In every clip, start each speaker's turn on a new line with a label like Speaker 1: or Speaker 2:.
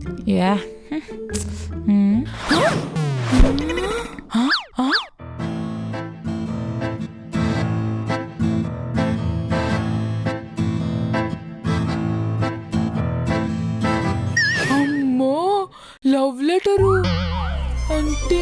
Speaker 1: Yeah అమ్మో love letter అంటే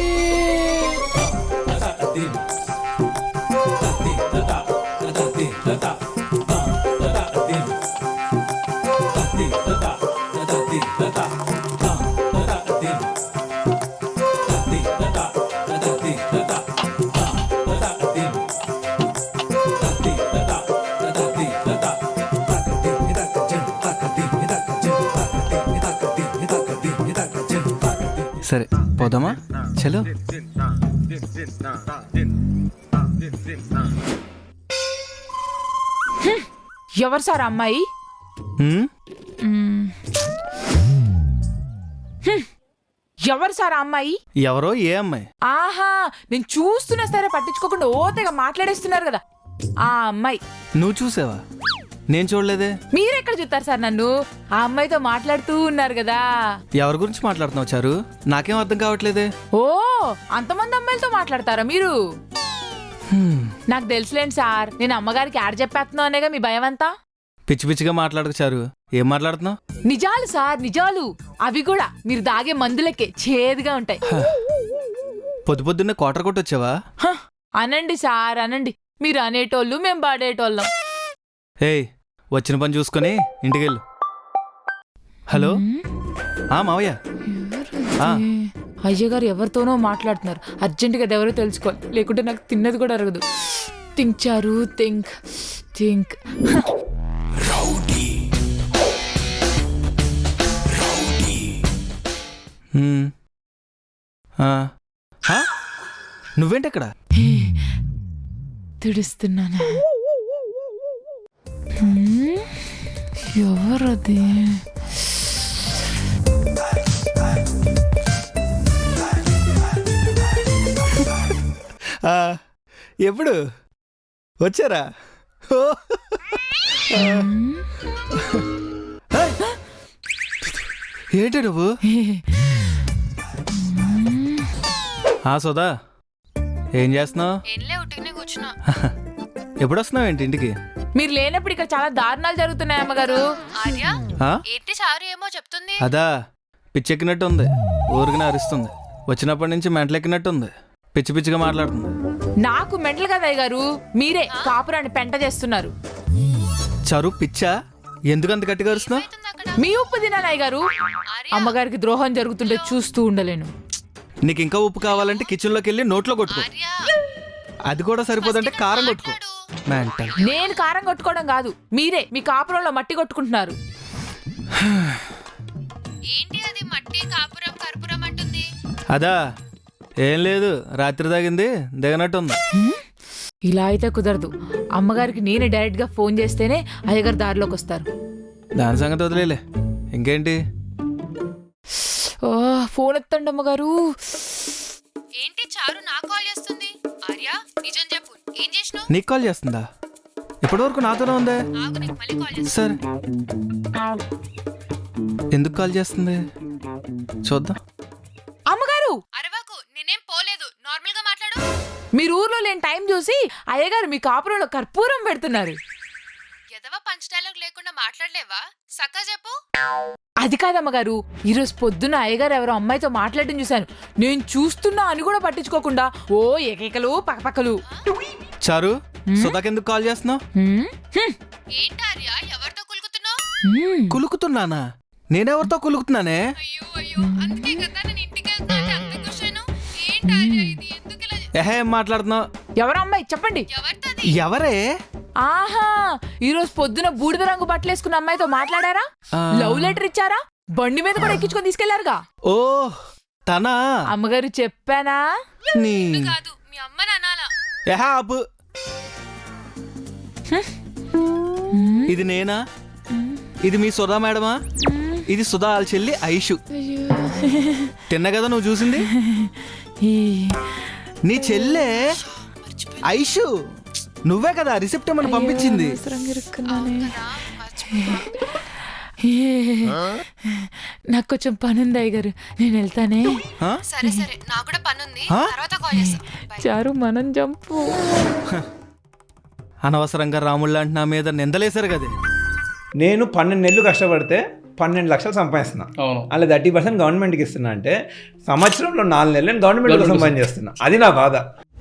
Speaker 2: సరే పోదామా చలో.
Speaker 1: ఎవరు సార్ అమ్మాయి? ఎవరు సార్ అమ్మాయి?
Speaker 2: ఎవరో ఏ అమ్మాయి?
Speaker 1: ఆహా, నేను చూస్తున్నా సరే పట్టించుకోకుండా ఓతగా మాట్లాడేస్తున్నారు కదా ఆ అమ్మాయి.
Speaker 2: నువ్వు చూసావా? నేను చూడలేదే.
Speaker 1: మీరెక్కడ చూస్తారు సార్ నన్ను? ఆ అమ్మాయితో మాట్లాడుతూ ఉన్నారు కదా.
Speaker 2: ఎవరి గురించి మాట్లాడుతున్నావు చారు? నాకేం అర్థం కావట్లేదే.
Speaker 1: ఓ, అంతమంది అమ్మాయిలతో మాట్లాడతారా మీరు? నాకు తెలుసులేండి సార్, నేను అమ్మగారికి యాడ్ చెప్పేస్తున్నావు అనేగా మీ భయం అంతా.
Speaker 2: పిచ్చి పిచ్చిగా మాట్లాడకు చారు. ఏం మాట్లాడుతున్నావు?
Speaker 1: నిజాలు సార్, నిజాలు. అవి కూడా మీరు దాగే మందులకే చేదుగా ఉంటాయి.
Speaker 2: పొద్దు పొద్దున్నే కోటర్ కొట్టొచ్చావా?
Speaker 1: అనండి సార్ అనండి. మీరు అనేటోళ్ళు మేము పాడేటోళ్ళం.
Speaker 2: ఏయ్, వచ్చిన పని చూసుకొని ఇంటికెళ్ళు. హలో మావయ్య.
Speaker 1: అయ్యగారు ఎవరితోనో మాట్లాడుతున్నారు. అర్జెంటుగా అది ఎవరో తెలుసుకోవాలి, లేకుంటే నాకు తిన్నది కూడా అరగదు. థింక్ చారు, థింక్ థింక్.
Speaker 2: నువ్వేంటక్కడ?
Speaker 1: తుడుస్తున్నాను. ఎవరది?
Speaker 2: ఎప్పుడు వచ్చారా? ఏంటి నువ్వు? సుధా, ఏం చేస్తున్నావు? ఎప్పుడు వస్తున్నావు ఏంటి ఇంటికి?
Speaker 1: మీరు లేనప్పుడు ఇక్కడ చాలా దారుణాలు జరుగుతున్నాయి అమ్మగారు.
Speaker 2: అదా, పిచ్చెక్కినట్టు ఉంది. ఊరికిన అరుస్తుంది. వచ్చినప్పటి నుంచి మెంటలెక్కినట్టు ఉంది. పిచ్చి పిచ్చిగా మాట్లాడుతుంది.
Speaker 1: నాకు మెంటల్ కదా అయ్యగారు, మీరే కాపురాన్ని పెంట చేస్తున్నారు.
Speaker 2: చరు పిచ్చా? ఎందుకంత గట్టిగా అరుస్తున్నావు?
Speaker 1: మీ ఉప్పు తినాలి అయ్యగారు. అమ్మగారికి ద్రోహం జరుగుతుంటే చూస్తూ ఉండలేను.
Speaker 2: నీకు ఇంకా ఉప్పు కావాలంటే కిచెన్ లోకి వెళ్ళి నోట్లో కొట్టుకో. అది కూడా సరిపోదంటే కారం కొట్టుకో.
Speaker 1: నేను కారం కొట్టుకోవడం కాదు, మీరే మీ కాపురంలో మట్టి కొట్టుకుంటున్నారు.
Speaker 2: అదా, ఏం లేదు, రాత్రి తాగింది దిగనట్టుంది.
Speaker 1: ఇలా అయితే కుదరదు. అమ్మగారికి నేనే డైరెక్ట్ గా ఫోన్ చేస్తేనే అయ్యగారు దారిలోకి వస్తారు.
Speaker 2: దాని సంగతి వదిలేలే. ఇంకేంటి?
Speaker 1: ఫోన్ ఎత్తండి అమ్మగారు.
Speaker 3: ఏంటి చారు నాకు కాల్ చేస్తుంది? ఆర్య, నిజం చెప్పు, ఏం చేసినావు?
Speaker 2: నీకు కాల్ చేస్తుందా? ఇప్పటివరకు నాతోనే ఉందే.
Speaker 3: ఆగు, నీకు మళ్ళీ కాల్ చేస్తా.
Speaker 2: సరే, ఎందుకు కాల్ చేస్తుంది చూద్దాం.
Speaker 1: అమ్మగారు
Speaker 3: అరవకు, నేనేం పోలేదు, నార్మల్ గా మాట్లాడు.
Speaker 1: మీరు ఊర్లో లేని టైం చూసి అయ్యగారు మీ కాపురంలో కర్పూరం పెడుతున్నారు.
Speaker 3: ఎదవ పంచ్ డైలాగ్ లేకుండా మాట్లాడలేవా? సక్క చెప్పు.
Speaker 1: అది కాదమ్మగారు, ఈరోజు పొద్దున్న అయ్యగారు ఎవరో అమ్మాయితో మాట్లాడడం చూశాను. నేను చూస్తున్నా అని కూడా పట్టించుకోకుండా ఓ ఏకైకలు పక్కపక్కలు.
Speaker 2: చారు, సుధాకెందుకు కాల్ చేస్తున్నావు?
Speaker 3: ఏంటి ఆర్య, ఎవరితో కులుకుతున్నావు?
Speaker 2: కులుకుతున్నానా? నేనెవరితో కులుకుతున్నానే?
Speaker 3: అయ్యో అయ్యో, అందుకే కదా నేను ఇంటికి వెళ్తా అంటే అంత కూర్చోను. ఏంటి ఆర్య ఇది, ఎందుకు ఇలా?
Speaker 2: ఏం మాట్లాడుతున్నావు?
Speaker 1: ఎవరు అమ్మాయి చెప్పండి.
Speaker 3: ఎవరితోది?
Speaker 2: ఎవరే?
Speaker 1: ఆహా, ఈరోజు పొద్దున బూడిద రంగు బట్టలేసుకున్న అమ్మాయితో మాట్లాడారా? లవ్ లెటర్ ఇచ్చారా? బండి మీద కూడా ఎక్కించుకొని తీసుకెళ్లారుగా.
Speaker 2: ఓ తనా?
Speaker 1: అమ్మగారు చెప్పానా?
Speaker 3: కాదు, మీ అమ్మని అనాలా?
Speaker 2: ఆపు. ఇది నేనా? ఇది మీ సుధా మేడమా? ఇది సుధా వాళ్ళ చెల్లి ఐషు. తిన్న కదా నువ్వు చూసింది? నీ చెల్లె ఐషు. నువ్వే కదా రిసెప్ట్ ఏమని పంపించింది.
Speaker 1: నాకు కొంచెం పని ఉంది అయ్యగారు, నేను వెళ్తానే.
Speaker 2: ఆ?
Speaker 3: సరే సరే, నాకు కూడా పని ఉంది,
Speaker 2: ఆ?
Speaker 3: తర్వాత కాల్ చేస్తా. Bye.
Speaker 1: చారు మనం జంపు.
Speaker 2: అనవసరంగా రాముళ్ళ అంటే నా మీద నిందలేశారు కదే.
Speaker 4: నేను 12 నెలలు కష్టపడితే 12 లక్షలు సంపాదిస్తున్నా.
Speaker 5: అవును.
Speaker 4: అలా 30% గవర్నమెంట్కి ఇస్తున్నా అంటే సంవత్సరంలో 4 నెలలు నేను గవర్నమెంట్ కోసం పని చేస్తున్నా. అది నా బాధ.